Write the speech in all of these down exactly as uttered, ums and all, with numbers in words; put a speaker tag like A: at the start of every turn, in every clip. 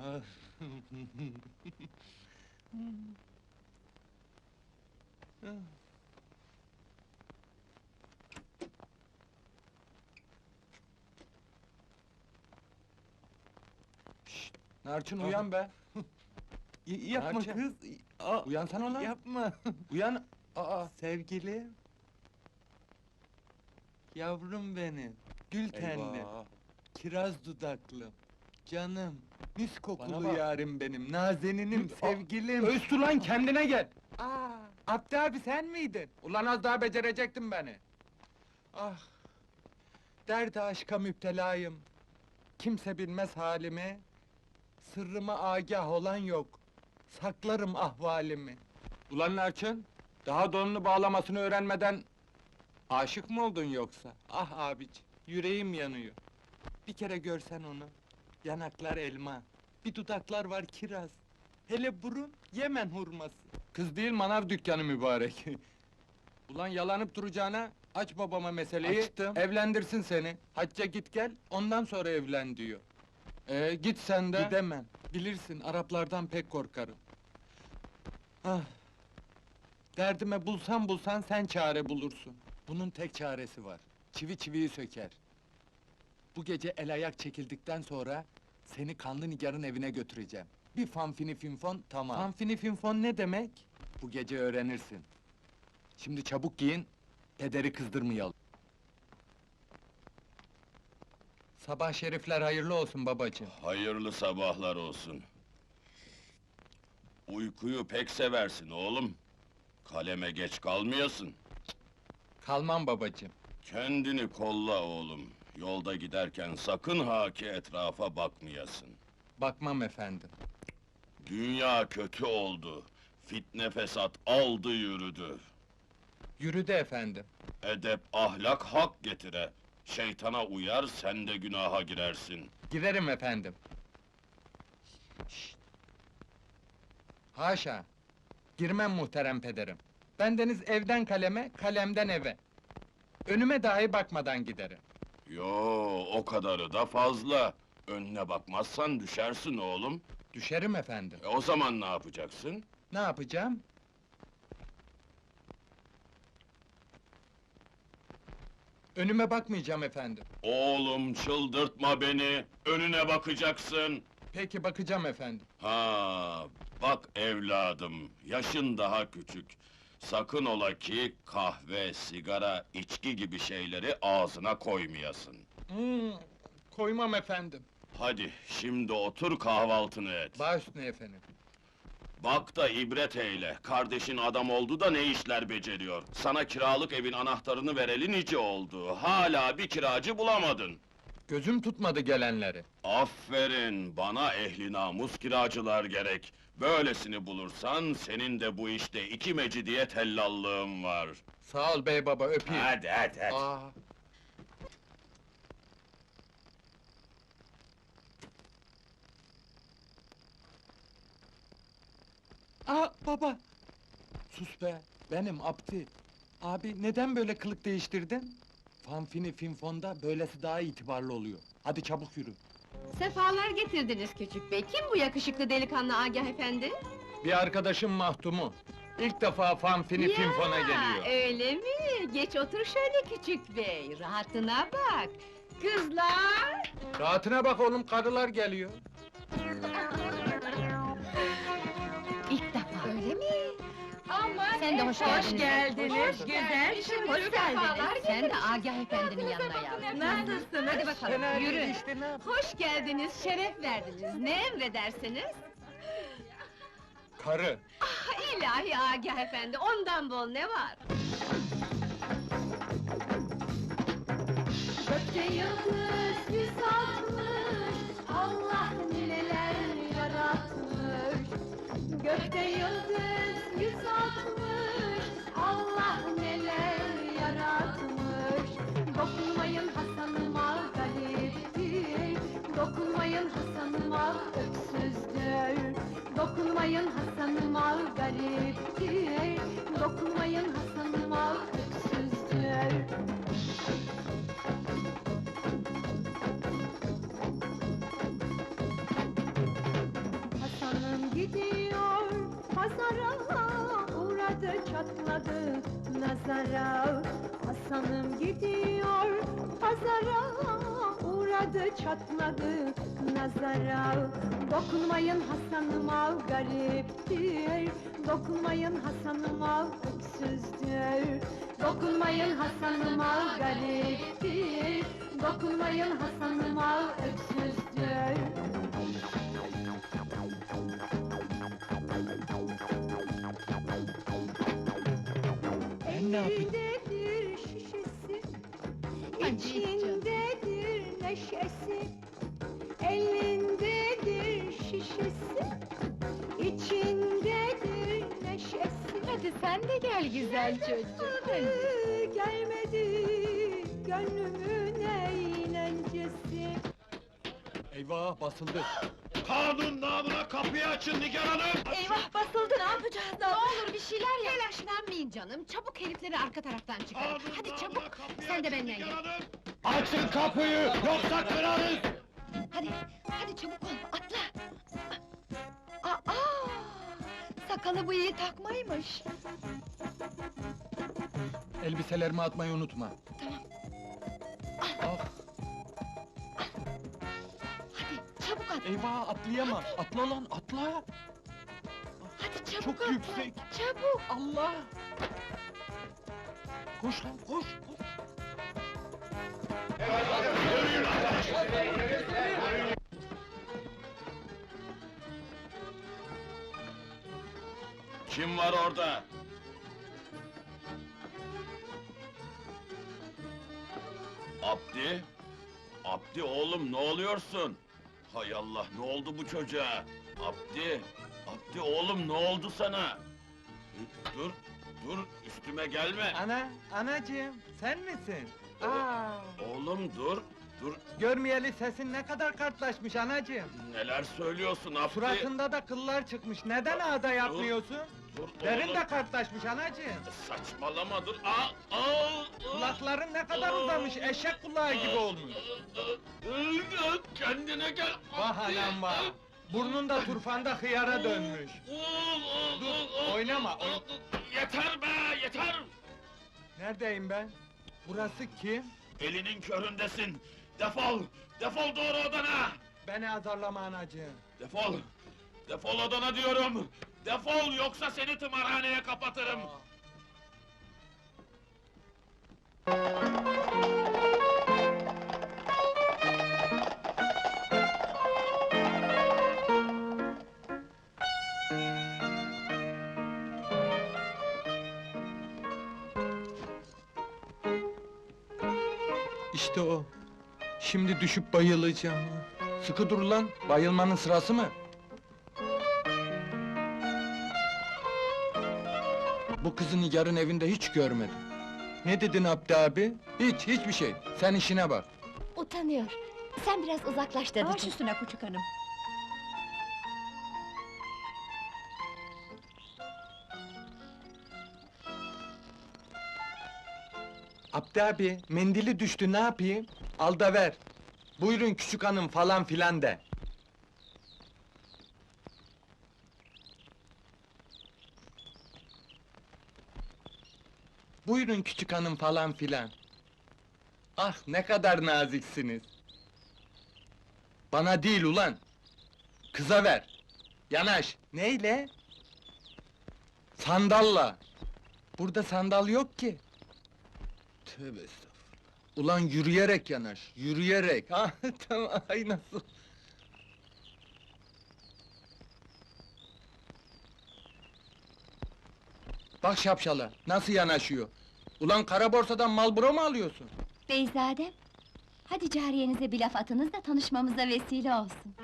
A: Ah. Şşt! Narçın
B: Aha.
A: uyan be!
B: Y- yapma
A: Narçın.
B: kız! Aa,
A: Uyansana ulan!
B: yapma!
A: Uyan! Aa!
B: Sevgilim! Yavrum benim, gül tenlim,
A: Eyvah!
B: kiraz dudaklı, canım, mis
A: Bana
B: kokulu
A: bak.
B: yarim benim, nazeninim,
A: Gül-
B: sevgilim!
A: Östü lan, kendine gel!
B: Aa, Abdi abi sen miydin?
A: Ulan az daha becerecektin beni!
B: Ah! Derde aşka müptelayım. Kimse bilmez halimi. Sırrıma agah olan yok. Saklarım ahvalimi.
A: Ulan Narçın! Daha donunu bağlamasını öğrenmeden... Aşık mı oldun yoksa?
B: Ah abici, yüreğim yanıyor. Bir kere görsen onu. Yanaklar elma, bir dudaklar var kiraz. Hele burun, Yemen hurması.
A: Kız değil, manav dükkanı mübarek! Ulan yalanıp duracağına, aç babama meseleyi,
B: Açtım.
A: evlendirsin seni. Hacca git gel, ondan sonra evlen diyor. Ee, git sen de.
B: Gidemem, bilirsin Araplardan pek korkarım. Ah! Derdime bulsan bulsan sen çare bulursun. Bunun tek çaresi var, çivi çiviyi söker. Bu gece el ayak çekildikten sonra... ...seni kanlı nigarın evine götüreceğim. Bir fanfini finfon, tamam. Fanfini finfon ne demek?
A: Bu gece öğrenirsin. Şimdi çabuk giyin, pederi kızdırmayalım.
B: Sabah şerifler hayırlı olsun babacığım.
C: Hayırlı sabahlar olsun. Uykuyu pek seversin oğlum. Kaleme geç kalmayasın.
B: Kalmam babacığım.
C: Kendini kolla oğlum. Yolda giderken sakın ha ki etrafa bakmayasın.
B: Bakmam efendim.
C: Dünya kötü oldu. Fitne fesat aldı yürüdü.
B: Yürüdü efendim.
C: Edep ahlak hak getire. Şeytana uyar sen de günaha girersin.
B: Girerim efendim. Şşt! Haşa! Girmem muhterem pederim. Bendeniz evden kaleme, kalemden eve. Önüme dahi bakmadan giderim.
C: Yo, o kadarı da fazla. Önüne bakmazsan düşersin oğlum.
B: Düşerim efendim.
C: E, o zaman ne yapacaksın?
B: Ne yapacağım? Önüme bakmayacağım efendim.
C: Oğlum çıldırtma beni, önüne bakacaksın.
B: Peki bakacağım efendim.
C: Ha, bak evladım, yaşın daha küçük. Sakın ola ki kahve, sigara, içki gibi şeyleri ağzına koymayasın.
B: Hmm, koymam efendim.
C: Hadi, şimdi otur kahvaltını et.
B: Baş üstüne efendim.
C: Bak da ibret eyle, kardeşin adam oldu da ne işler beceriyor. Sana kiralık evin anahtarını vereli nice oldu, hala bir kiracı bulamadın.
B: Gözüm tutmadı gelenleri.
C: Aferin, bana ehli namus kiracılar gerek. Böylesini bulursan, senin de bu işte iki mecidiye tellallığın var.
B: Sağ ol bey baba, öpeyim.
C: Hadi, hadi, hadi.
B: Aa, Aa baba! Sus be, benim Abdi. Abi neden böyle kılık değiştirdin? Fanfini finfonda böylesi daha itibarlı oluyor. Hadi çabuk yürü.
D: Sefalar getirdiniz küçük bey. Kim bu yakışıklı delikanlı Agah efendi?
B: Bir arkadaşım Mahtumu. İlk defa fanfini finfona geliyor.
D: Öyle mi? Geç otur şöyle küçük bey. Rahatına bak. Kızlar!
B: Rahatına bak oğlum, karılar geliyor.
D: İlk defa. Öyle mi?
E: Aman
D: Sen de hoş
E: efendim,
D: geldiniz.
E: Hoş
D: Güzel.
E: geldiniz.
D: Hoş
E: Sefalar
D: geldiniz. Sen de
E: getirdiniz.
D: Agah efendinin yanına yavrum.
E: Nasılsınız?
D: Hadi bakalım,
B: Fena
D: yürü.
B: değil işte, ne yapayım?
D: Hoş geldiniz, şeref verdiniz. Ne emredersiniz?
B: Karı.
D: Ah, ilahi Agah efendi, ondan bol ne var?
E: Gökte yıldız yüz altmış, Allah neler yaratmış. Gökte yıldız yüz altmış, Allah neler yaratmış. Dokunmayın Hasan'ıma gariptir, dokunmayın Hasan'ıma öksüzdür. Dokunmayın Hasan'ıma gariptir, dokunmayın Hasan'ıma öksüzdür. çatladı nazara. Hasan'ım gidiyor pazara, uğradı çatladı nazara. Dokunmayın Hasan'ıma gariptir, dokunmayın Hasan'ıma öksüzdür. Dokunmayın Hasan'ıma gariptir, dokunmayın Hasan'ıma öksüzdür.
B: Ben ne yapayım?
E: Elindedir şişesi,
D: Hadi
E: içindedir neşesi. Elindedir şişesi, içindedir neşesi.
D: Hadi sen de gel güzel çocuk. Hadi.
E: Gelmedi gönlümün eğlencesi.
B: Eyvah, basıldı!
C: Kanun namına kapıyı açın Nigar Hanım!
D: Eyvah basıldı, ne yapacağız? Ne olur bir şeyler yap! Telaşlanmayın canım, çabuk herifleri arka taraftan çıkarın.
C: Kanun
D: Hadi
C: namına
D: çabuk,
C: kapıyı
D: sen de
C: açın
D: benimle
C: Nigar
D: gel.
C: Hanım! Açın kapıyı, yoksa kırarız!
D: Hadi, hadi çabuk ol, atla! Aa, sakalı bıyığı takmaymış.
B: Elbiselerimi atmayı unutma.
D: Tamam.
B: Ah,
D: Hadi, çabuk at!
B: eyvah, atlayamam! Atla lan, atla!
D: Hadi çabuk
B: Çok
D: atla!
B: yüksek.
D: Çabuk!
B: Allah! Koş lan, koş! koş.
C: Kim var orada? Abdi? Abdi oğlum ne oluyorsun? Hay Allah, ne oldu bu çocuğa? Abdi, Abdi oğlum ne oldu sana? Dur, dur, üstüme gelme!
B: Ana, anacığım, sen misin? Aa,
C: Oğlum dur, dur,
B: görmeyeli sesin ne kadar kartlaşmış anacığım.
C: neler söylüyorsun Abdi?
B: Suratında da kıllar çıkmış, neden ağda yapmıyorsun?
C: Dur
B: Derin
C: oğlum,
B: de kartlaşmış anacığım.
C: saçmalama dur, aa, aa, aa.
B: Kulakların ne kadar uzamış, eşek kulağı gibi olmuş.
C: Kendine gel!
B: Vah anam vah! Burnun da turfanda hıyara dönmüş. Dur, oynama, oyn...
C: Yeter be, yeter!
B: Neredeyim ben? Burası kim?
C: Elinin köründesin! Defol! Defol doğru odana!
B: Beni azarlama anacığım.
C: Defol! Defol odana diyorum! Defol, yoksa seni tımarhaneye kapatırım!
B: İşte o. Şimdi düşüp bayılacağım. Sıkı dur lan, bayılmanın sırası mı? Bu kızı Nigar'ın evinde hiç görmedim. Ne dedin Abdi abi? Hiç, hiçbir şey. Sen işine bak.
D: Utanıyor. Sen biraz uzaklaş dadıcığım. Baş üstüne küçük hanım.
B: Abdi abi, mendili düştü, ne yapayım? Al da ver. Buyurun küçük hanım falan filan de. Buyurun küçük hanım falan filan. Ah ne kadar naziksiniz. Bana değil ulan. Kıza ver. Yanaş. Neyle? Sandalla. Burada sandal yok ki. Tövbe estağfurullah. Ulan yürüyerek yanaş, yürüyerek. Ha tamam, ay nasıl? Bak şapşala, nasıl yanaşıyor? Ulan kara borsadan Marlboro mu alıyorsun?
F: Beyzadem, hadi cariyenize bir laf atınız da tanışmamıza vesile olsun.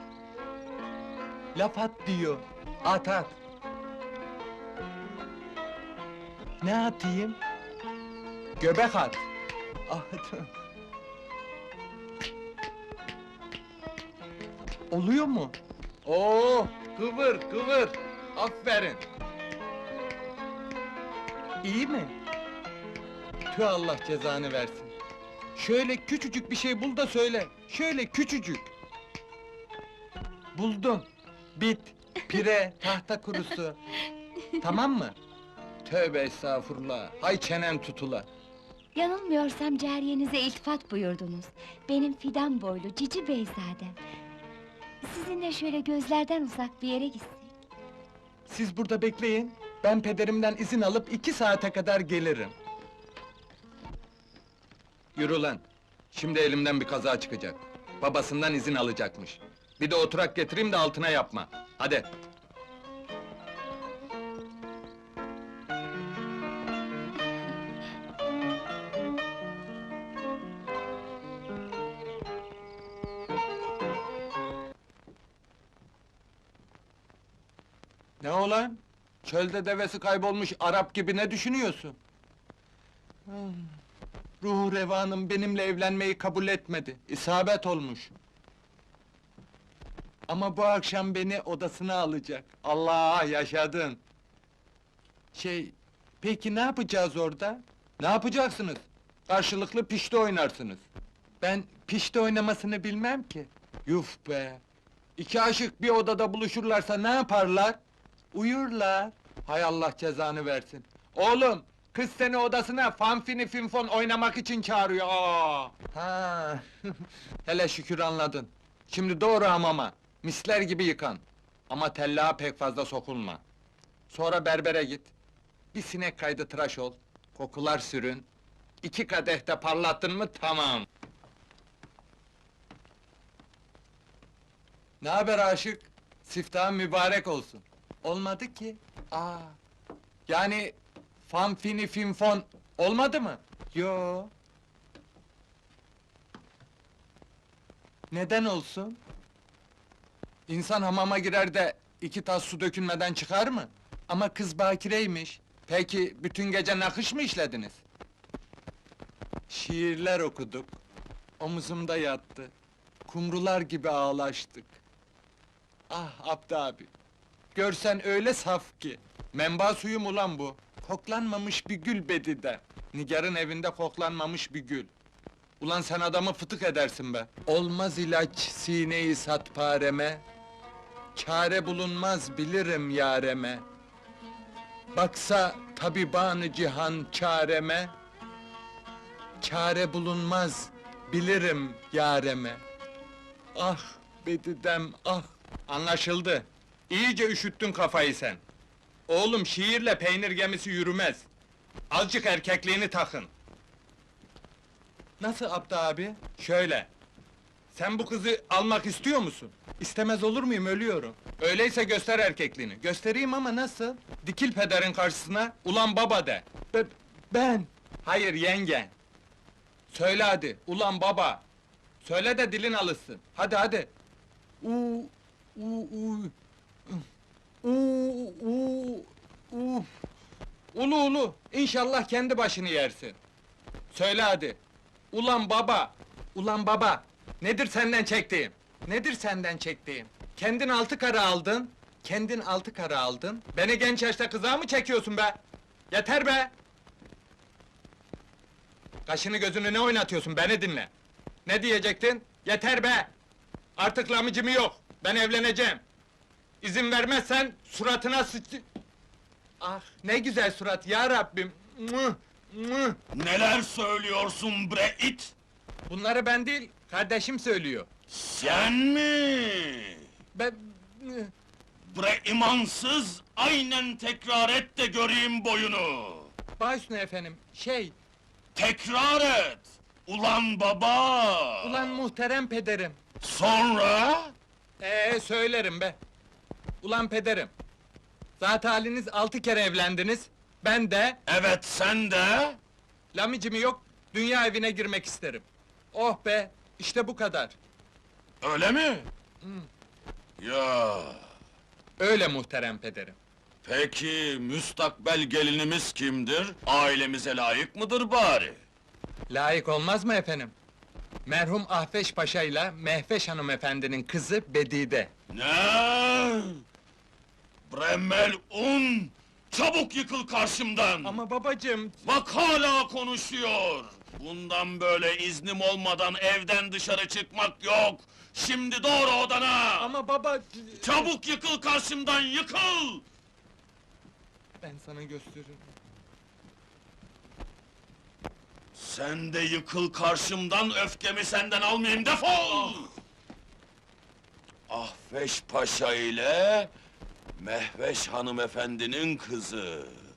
B: Laf at diyor, at at. Ne atayım? Göbek at. Ah, tamam. Oluyor mu? Oo, kıvır, kıvır. Aferin. İyi mi? Tüh Allah cezanı versin. Şöyle küçücük bir şey bul da söyle. Şöyle küçücük. Buldum. Bit, pire, tahta kurusu. Tamam mı? tövbe estağfurullah. Hay çenen tutula.
F: Yanılmıyorsam cariyenize iltifat buyurdunuz. Benim fidan boylu cici beyzadem. Sizinle şöyle gözlerden uzak bir yere gitsin.
B: Siz burada bekleyin. Ben pederimden izin alıp iki saate kadar gelirim. Yürü lan. Şimdi elimden bir kaza çıkacak. Babasından izin alacakmış. Bir de oturak getireyim de altına yapma. Hadi. Ne olan? Çölde devesi kaybolmuş Arap gibi ne düşünüyorsun? Hmm, Ruhu revanım benimle evlenmeyi kabul etmedi. İsabet olmuş. Ama bu akşam beni odasına alacak. Allah, yaşadın! Şey, peki ne yapacağız orada? Ne yapacaksınız? Karşılıklı pişti oynarsınız. Ben pişti oynamasını bilmem ki. Yuf be! İki aşık bir odada buluşurlarsa ne yaparlar? Uyurlar. Hay Allah cezanı versin. Oğlum, kız seni odasına fanfini finfon oynamak için çağırıyor. Aa! Ha. Hele şükür anladın. Şimdi doğru hamama. Misler gibi yıkan. Ama tellaha pek fazla sokulma. Sonra berbere git. Bir sinek kaydı tıraş ol. Kokular sürün. İki kadehte parlattın mı tamam. Ne haber aşık? Siftahın mübarek olsun. Olmadı ki. Aa. Yani fanfini finfon olmadı mı? Yo. Neden olsun? İnsan hamama girer de iki tas su dökülmeden çıkar mı? Ama kız bakireymiş. Peki bütün gece nakış mı işlediniz? Şiirler okuduk. Omuzumda yattı. Kumrular gibi ağlaştık. Ah Abdi abi! Görsen öyle saf ki! Menba suyu mu lan bu? Koklanmamış bir gül bedide! Nigar'ın evinde koklanmamış bir gül! Ulan sen adamı fıtık edersin be! Olmaz ilaç sineyi satpareme, çare bulunmaz bilirim yareme. Baksa tabibanı cihan çareme, çare bulunmaz bilirim yareme. Ah bedidem ah! Anlaşıldı. İyice üşüttün kafayı sen. Oğlum şiirle peynir gemisi yürümez. Azıcık erkekliğini takın. Nasıl Abdi abi? Şöyle. Sen bu kızı almak istiyor musun? İstemez olur muyum, ölüyorum. Öyleyse göster erkekliğini. Göstereyim ama nasıl? Dikil pederin karşısına, ulan baba de. Be- ben! Hayır, yenge. Söyle hadi, ulan baba! Söyle de dilin alışsın. Hadi hadi! Uuu, uuu, uuu. Uuu, uuu, uuu. Ulu ulu, inşallah kendi başını yersin. Söyle hadi! Ulan baba! Ulan baba! Nedir senden çektiğim? Nedir senden çektiğim? Kendin altı kara aldın, kendin altı kara aldın. Beni genç yaşta kıza mı çekiyorsun be? Yeter be! Kaşını gözünü ne oynatıyorsun, beni dinle! Ne diyecektin? Yeter be! Artık lamıcımı yok, ben evleneceğim! İzin vermezsen, suratına sıç... Ah, ne güzel surat ya Rabbim! Mıh, mıh!
C: Neler söylüyorsun bre it?
B: Bunları ben değil, kardeşim söylüyor.
C: Sen mi?
B: Ben...
C: Bre imansız, aynen tekrar et de göreyim boyunu!
B: Baş üstüne efendim, şey...
C: Tekrar et! Ulan baba!
B: Ulan muhterem pederim!
C: Sonra?
B: Ee söylerim be! Ulan pederim! Zat haliniz altı kere evlendiniz, ben de...
C: Evet, sen de?
B: Lamicimi yok, dünya evine girmek isterim. Oh be, işte bu kadar.
C: Öyle mi? Ya,
B: Öyle muhterem pederim.
C: peki müstakbel gelinimiz kimdir? Ailemize layık mıdır bari?
B: Layık olmaz mı efendim? Merhum Ahveş Paşa ile Mehveş hanımefendinin kızı Bedide.
C: Ne? Bremel un! Çabuk yıkıl karşımdan!
B: Ama babacığım...
C: Bak hala konuşuyor! Bundan böyle iznim olmadan evden dışarı çıkmak yok! Şimdi doğru odana!
B: Ama baba...
C: Çabuk yıkıl karşımdan, yıkıl!
B: Ben sana gösteririm.
C: Sen de yıkıl karşımdan, öfkemi senden almayayım, defol! Ahveş Paşa ile Mehveş hanımefendinin kızı.